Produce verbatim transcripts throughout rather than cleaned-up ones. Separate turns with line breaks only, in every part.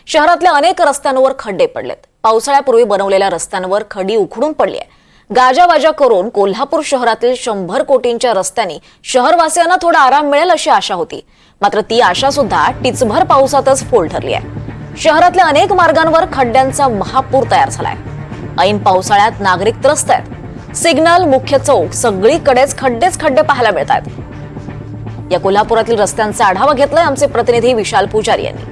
शहरातल्या अनेक रस्त्यांवर खड्डे पडलेत। पावसाळ्यापूर्वी बनवलेल्या रस्त्यांवर खडी उखडून पडली आहे। गाजावाजा करून कोल्हापूर शहरातील शंभर कोटींच्या रस्त्यांनी शहरवासियांना थोडा आराम मिळेल अशी आशा होती, मात्र ती आशा सुद्धा टिचभर पावसातच फोल ठरली आहे। शहरातल्या अनेक मार्गांवर खड्ड्यांचा महापूर तयार झालाय। ऐन पावसाळ्यात नागरिक त्रस्त आहेत। सिग्नल, मुख्य चौक सगळीकडेच खड्डेच खड्डे पाहायला मिळतात। या कोल्हापुरातील रस्त्यांचा आढावा घेतलाय आमचे प्रतिनिधी विशाल पुजारी यांनी।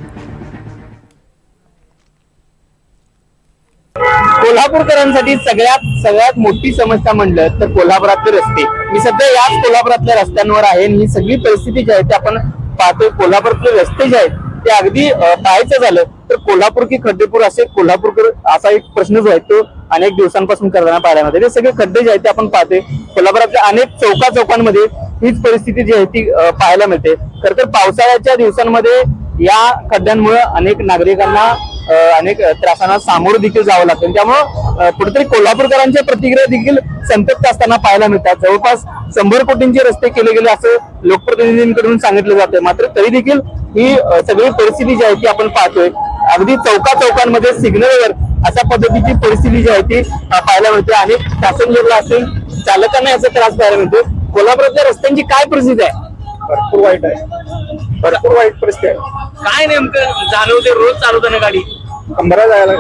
कोल्हापूरकरांसाठी सगळ्यात सगळ्यात मोठी समस्या म्हणलं तर कोल्हापुरातले रस्ते। मी सध्या याच कोल्हापुरातल्या रस्त्यांवर आहे आणि ही सगळी परिस्थिती जी आहे ते आपण पाहतोय। कोल्हापुरातले रस्ते जे आहेत ते अगदी पाहायचं झालं तर कोल्हापूर की खड्डेपूर असे कोल्हापूरकर असा एक प्रश्न जो आहे तो अनेक दिवसांपासून करताना पाहायला मिळते। ते सगळे खड्डे जे आहेत ते आपण पाहतोय। कोल्हापुरातल्या अनेक चौका चौकांमध्ये हीच परिस्थिती जी आहे ती पाहायला मिळते। खरं तर पावसाळ्याच्या दिवसांमध्ये या खड्ड्यांमुळे अनेक नागरिकांना अनेक त्रासांना सामोरं देखील जावं लागतं। त्यामुळे कुठेतरी कोल्हापूरकरांच्या प्रतिक्रिया देखील संतप्त असताना पाहायला मिळतात। जवळपास शंभर कोटींचे रस्ते केले गेले असं लोकप्रतिनिधींकडून सांगितलं जातंय, मात्र तरी देखील ही सगळी परिस्थिती जी आहे ती आपण पाहतोय। अगदी चौका चौकांमध्ये सिग्नलवर अशा पद्धतीची परिस्थिती जी आहे ती पाहायला मिळते। अनेक पॅसेंजरला असेल चालकांना याचा त्रास पाहायला मिळतो। कोल्हापुरातल्या रस्त्यांची काय परिस्थिती आहे?
भरपूर वाईट आहे, भरपूर वाईट परिस्थिती आहे।
काय नेमकं जाणवते रोज चालवताना गाडी?
कमरा जायला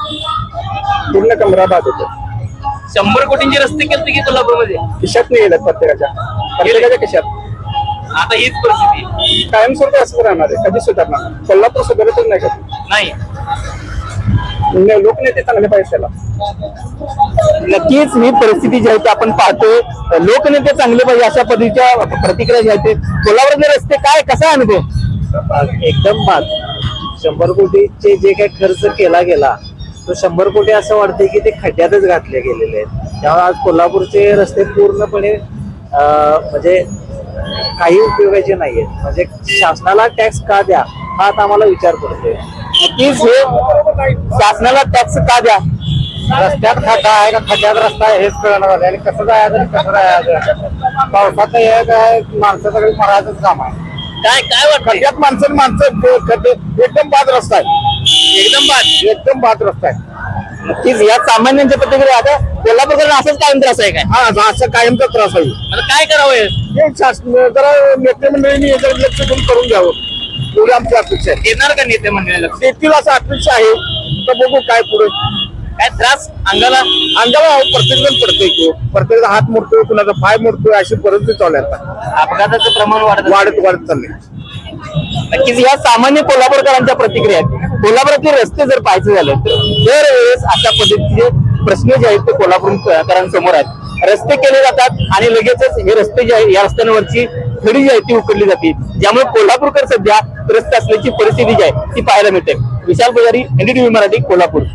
पूर्ण कमरा बाद होतो।
शंभर कोटींचे रस्ते केले की कोल्हापूरमध्ये
खिशात नाही गेलं प्रत्येकाच्या प्रत्येकाच्या खिशात।
आता हीच परिस्थिती
कायमस्वरूपी असं राहणार आहे, कधी सुधारणार? कोल्हापूर सुधारतच नाही कधी
नाही।
लोकनेते चांगले पाहिजे त्याला।
नक्कीच ही परिस्थिती जी आहे ती आपण पाहतोय। लोकनेते चांगले पाहिजे अशा पद्धतीच्या प्रतिक्रिया ज्या आहेत कोल्हापूरचे रस्ते काय कसा आहे ते
एकदम बाद। शंभर कोटीचे जे काही खर्च केला गेला तो शंभर कोटी असं वाटते की ते खड्ड्यातच घातले गेलेले आहेत। त्यामुळे आज कोल्हापूरचे रस्ते पूर्णपणे म्हणजे काही उपयोगाचे नाहीयेत। म्हणजे शासनाला टॅक्स का द्या हा आता आम्हाला विचार पडतोय।
नक्कीच हे शासनाला टॅक्स का द्या,
रस्त्यात खड्डा आहे का खड्ड्यात रस्ता आहे हेच कळणार झाले आणि कसं जायचं कसं जायचं। पावसाचं हे काय माणसं सगळी मरायचंच काम आहे।
काय काय वाटतं?
खड्ड्यात माणसं माणसं खड्डे एकदम बाद रस्ता आहे,
एकदम बाद
एकदम बाद रस्ता आहे।
नक्कीच या सामान्यांच्या प्रतिक्रिया आता कोल्हापूरकडे असंच कायम त्रास आहे काय?
हा असं कायमचा त्रास आहे।
आता काय करावं?
हे शासन जरा नेते मंडळींनी याच्यावर लक्ष देऊन करून घ्यावं एवढी आमची अपेक्षा आहे।
येणार का नेते मंडळीला?
देतील असं अपेक्षा आहे, तर बघू काय पुढे
काय त्रास अंगाला
अंगाला प्रत्येक जण पडतोय की प्रत्येक हात मोडतोय, कुणाचा पाय मोडतोय, अशी परिस्थिती चालू आहे आता।
अपघाताचं प्रमाण वाढत
वाढत वाढत चाललंय।
नक्कीच या सामान्य कोल्हापूरकरांच्या प्रतिक्रिया आहेत। कोल्हापुरातले रस्ते जर पाहायचं झालं तर दरवेळेस अशा पद्धतीचे प्रश्न जे आहेत ते कोल्हापूरकरांसमोर आहेत। रस्ते केले जातात आणि लगेचच हे रस्ते जे आहेत या रस्त्यांवरची खडी जी आहे ती उकडली जाते, ज्यामुळे कोल्हापूरकर सध्या त्रस्त असल्याची परिस्थिती जी आहे ती पाहायला मिळते। विशाल पुजारी, एनडीटीव्ही मराठी, कोल्हापूर।